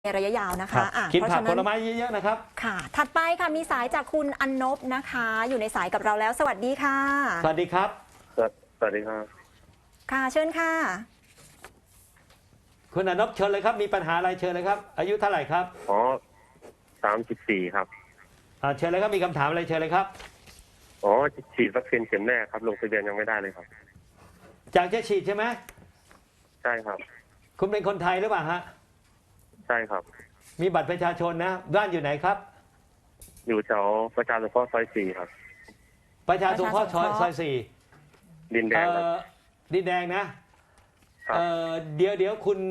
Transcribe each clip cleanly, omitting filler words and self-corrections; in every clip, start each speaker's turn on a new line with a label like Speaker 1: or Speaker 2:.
Speaker 1: ในระยะยาวนะคะ
Speaker 2: กิน
Speaker 1: เพราะ
Speaker 2: ผัก
Speaker 1: ฉะ
Speaker 2: ผ
Speaker 1: นั้น
Speaker 2: ลไม้เยอะๆนะครับ
Speaker 1: ค่ะถัดไปค่ะมีสายจากคุณอันนบนะคะ อยู่ในสายกับเราแล้วสวัสดีค่ะ
Speaker 2: สวัสดีครับ
Speaker 3: สวัสดีครับ
Speaker 1: ค่ะเชิญค่ะ
Speaker 2: คุณอนบเชิญเลยครับมีปัญหาอะไรเชิญเลยครับอายุเท่าไหร่ครับ
Speaker 3: อ๋อ34ครับ
Speaker 2: เชิญเลยครับมีคำถามอะไรเชิญเลยครับ
Speaker 3: อ๋อฉีดวัคซีนเข็มแรกครับลงทะเบียนยังไม่ได้เลยครับ
Speaker 2: อยากจะฉีดใช่ไหม
Speaker 3: ใช่ครับ
Speaker 2: คุณเป็นคนไทยหรือเปล่าฮะ
Speaker 3: ใช่ครับ
Speaker 2: มีบัตรประชาชนนะบ้านอยู่ไหนครับ
Speaker 3: อยู่แถวประชาสงเคราะห์ซอย4ครับ
Speaker 2: ประชาสงเคราะห์ซอย4
Speaker 3: ดินแดงครับ
Speaker 2: ดินแดงนะเดี๋ยวคุณ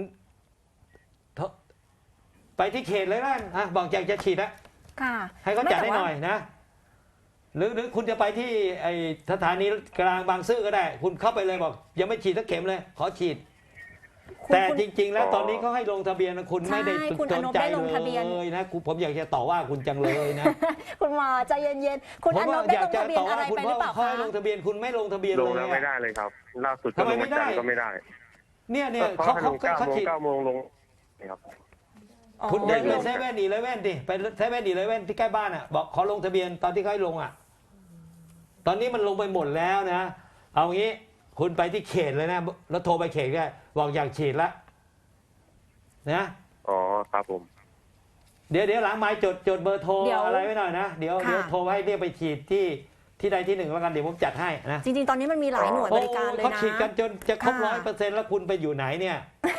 Speaker 2: ไปที่เขตเลยนะบอกอยากจะฉีดนะให้เขาจัดให้หน่อยนะหรือคุณจะไปที่ไอสถานีกลางบางซื่อก็ได้คุณเข้าไปเลยบอกยังไม่ฉีดสักเข็มเลยขอฉีดแต่จริงๆแล้วตอนนี้เขาให้ลงทะเบียนนะคุณไม่ได้สนใจเลยนะผมอยากจะต่อว่าคุณจังเลยนะ
Speaker 1: คุณหมอใจเย็นๆคุณอนบได้ลงทะเบียนอะไรไปหรือเปล่าคะ
Speaker 2: ลงทะเบียนคุณไม่ลงทะเบียนเลย
Speaker 3: ลงแล้วไม่ได้เลยครับล่าสุดก็ลงไม่ได้ก็ไม่ได้
Speaker 2: เนี่ย
Speaker 3: เขาฉีด9 โมงลงครับ
Speaker 2: คุณเดินไปเซเว่น11ดิไปเซเว่น11ที่ใกล้บ้านอ่ะบอกขอลงทะเบียนตอนที่เขาให้ลงอ่ะตอนนี้มันลงไปหมดแล้วนะเอางี้คุณไปที่เขตเลยนะแล้วโทรไปเขตก็บอกอยากฉีดแล้วนะ
Speaker 3: อ๋อครับผม
Speaker 2: เดี๋ยวหลังไม้จดเบอร์โทรอะไรไว้หน่อยนะเดี๋ยวโทรให้เรียกไปฉีดที่ใดที่หนึ่งแล้วกันเดี๋ยวผมจัดให้นะ
Speaker 1: จริงๆตอนนี้มันมีหลายหน่วยบริการเลยนะ
Speaker 2: เขาฉีดกันจนจะครบ100%แล้วคุณไปอยู่ไหนเนี่ย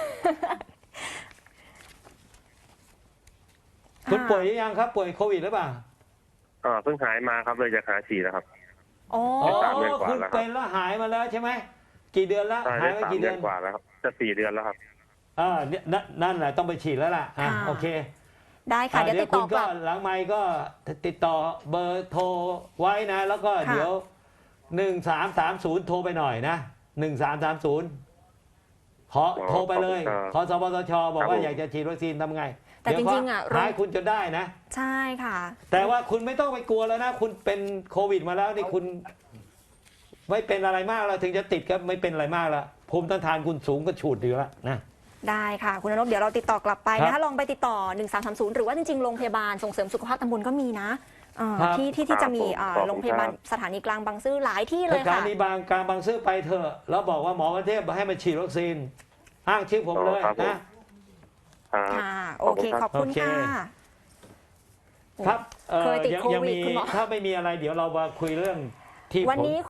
Speaker 2: คุณป่วยหรือยังครับป่วยโควิดหรือเปล่า
Speaker 3: เพิ่งหายมาครับเลยจะหาฉีดแล้วครับ
Speaker 2: อ๋อคุณเป็นแล้วหายมาแล้วใช่ไหมกี่เดือนแล้วหายมากี่เดือน
Speaker 3: กว่าแล้วครับจะ4 เดือนแล้วครับ
Speaker 2: นั่นแหละต้องไปฉีดแล้วล่ะโอเค
Speaker 1: ได้ค่ะเดี๋ยวติดต่อ
Speaker 2: ก็หลังไมค์ก็ติดต่อเบอร์โทรไว้นะแล้วก็เดี๋ยว1330โทรไปหน่อยนะ1330ขอโทรไปเลยขอสปสชบอกว่าอยากจะฉีดวัคซีนทำไง
Speaker 1: แต่จริงๆ
Speaker 2: หายคุณจนได้นะ
Speaker 1: ใช่ค่ะ
Speaker 2: แต่ว่าคุณไม่ต้องไปกลัวแล้วนะคุณเป็นโควิดมาแล้วนี่คุณไม่เป็นอะไรมากแล้วถึงจะติดก็ไม่เป็นอะไรมากแล้วภูมิต้านทานคุณสูงก็ฉูดอยู่แล้วนะ
Speaker 1: ได้ค่ะคุณอนบเดี๋ยวเราติดต่อกลับไปนะคะลองไปติดต่อ1330หรือว่าจริงๆโรงพยาบาลส่งเสริมสุขภาพตำบลก็มีนะที่จะมีโรงพยาบาลสถานีกลางบางซื่อหลายที่เลยค่ะ
Speaker 2: สถานีกลางบางซื่อไปเถอะแล้วบอกว่าหมอประเทศให้มาฉีดวัคซีนอ้างชื่อผมเลยนะ
Speaker 1: ค่ะโอเคขอบคุณค่ะ
Speaker 2: ครับยังมีถ้าไม่มีอะไรเดี๋ยวเรามาคุยเรื่องที่วันนี้